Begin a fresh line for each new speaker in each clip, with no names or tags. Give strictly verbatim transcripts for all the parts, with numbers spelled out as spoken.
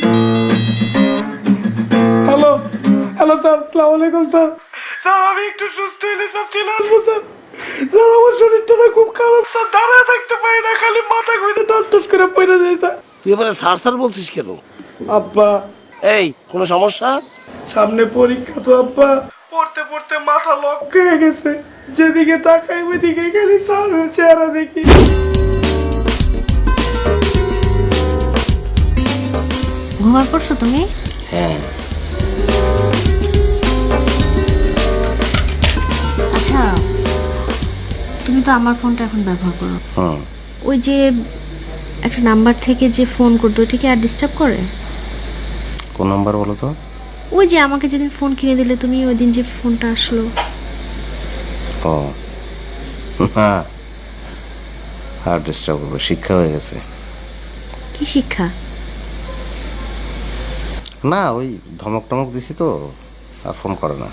Hello hello sir, আসসালামু আলাইকুম sir. Sir আমি একটু সুস্থ হইলে সব চলে আসবো স্যার। স্যার আমার শরীরটা না খুব খারাপ স্যার, দাঁড়ায় থাকতে পারি না, খালি মাথা ঘুরে টস টস করে পড়ে যায় স্যার।
তুই এবারে সার সার বলছিস কেন?
আব্বা
এই কোনো সমস্যা?
সামনে পরীক্ষা তো আব্বা, পড়তে পড়তে মাথা লক হয়ে গেছে, যেদিকে তাকাই ওইদিকে খালি স্যার চেহারা দেখি।
ঘুমায় পড়ছো তুমি?
হ্যাঁ।
আচ্ছা, তুমি তো আমার ফোনটা এখন ব্যবহার করো।
হুম।
ওই যে একটা নাম্বার থেকে যে ফোন করতো, ওটা কি আর ডিস্টার্ব করে?
কোন নাম্বার বলো তো?
ওই যে আমাকে যেদিন ফোন কিনে দিলে তুমি, ওই দিন যে ফোনটা আসলো।
ও হ্যাঁ, আর ডিস্টার্ব করবে, শিক্ষা হয়ে গেছে।
কি শিক্ষা?
না ওই ধমক টমক দিছি তো, আর ফোন করে না।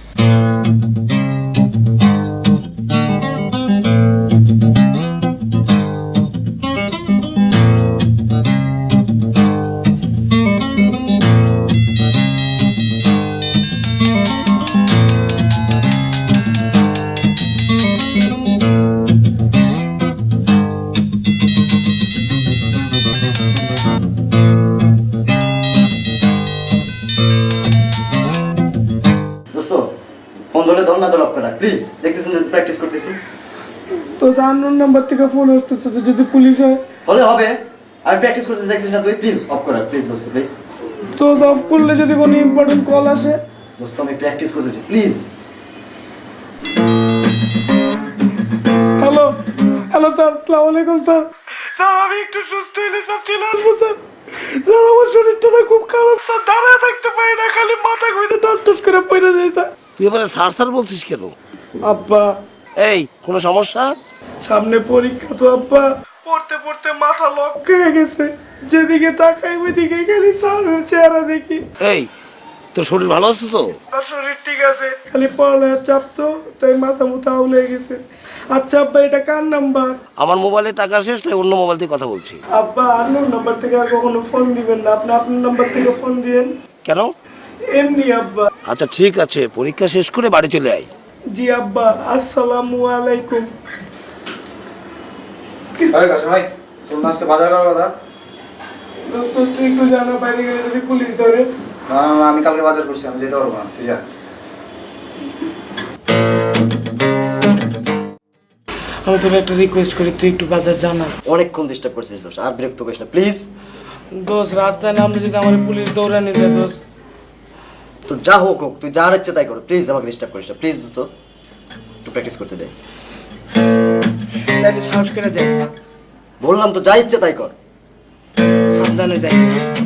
ফোন ধরে ধর না, ধর করা প্লিজ, দেখতেছেন প্র্যাকটিস করতেছি।
তো আননোন নাম্বার থেকে ফোন আসতেছে, তো যদি পুলিশ হয়?
হলে হবে, আমি প্র্যাকটিস করতেছি, দেখছিস না তুই? প্লিজ অফ করা, প্লিজ দোস্ত প্লিজ।
তো অফ করলে যদি কোনো ইম্পর্টেন্ট কল আসে?
দোস্ত আমি প্র্যাকটিস করতেছি, প্লিজ।
হ্যালো হ্যালো স্যার, আসসালামু আলাইকুম স্যার। স্যার আমি একটু সুস্থ হইলে সব চলে আসবো স্যার। স্যার আমার শরীরটা না খুব খারাপ স্যার, দাঁড়ায় থাকতে পারি না, খালি মাথা ঘুরে টস টস করে পড়ে যায় স্যার।
তুই এবারে সার সার বলছিস কেন?
আব্বা
এই কোনো সমস্যা?
সামনে পরীক্ষা তো আব্বা, পড়তে পড়তে মাথা লক হয়ে গেছে, যেদিকে তাকাই ওইদিকে খালি স্যার চেহারা দেখি।
এই তোর শরীর ভালো আছে তো?
আর শরীর ঠিক আছে, খালি পড়ালেখার চাপ তো, তাই মাথা মুথা আউল হয়ে গেছে। আচ্ছা আব্বা, এটা কার নাম্বার?
আমার মোবাইলে টাকা শেষ, তাই অন্য মোবাইল থেকে কথা বলছি।
আব্বা আন্নোন নাম্বার থেকে আর কখনো ফোন দিবেন না, আপনি আপনার নাম্বার থেকে ফোন দিয়েন।
কেন?
এমনি আব্বা।
আচ্ছা ঠিক আছে, পরীক্ষা শেষ করে বাড়ি চলে আয়।
জি আব্বা, আসসালামু আলাইকুম।
আরে কাছে ভাই, তোর আজকে বাজার করার কথা?
দোস্ত তুই একটু জানা, বাইরে গেলে যদি পুলিশ ধরে?
না না, আমি কালকে বাজার করছি, আমি যেতে পারবো না, তুই যা।
আমি তোর একটা রিকোয়েস্ট করি, তুই একটু বাজার জানা।
অনেকক্ষণ ডিস্টার্ব করছিস দোস্ত, আর বিরক্ত করিস না প্লিজ।
দোস্ত রাস্তায় নামলে যদি আমার পুলিশ দৌড়ানি দেয় দোস্ত।
তোর যা হোক হোক, তুই যা ইচ্ছে তাই কর, প্লিজ আমাকে ডিস্টার্ব করিস না প্লিজ দোস্ত, একটু প্র্যাকটিস করতে দে।
তাহলে সাহস করে যাই,
বললাম তো যা ইচ্ছে তাই কর।
সাবধানে যাই।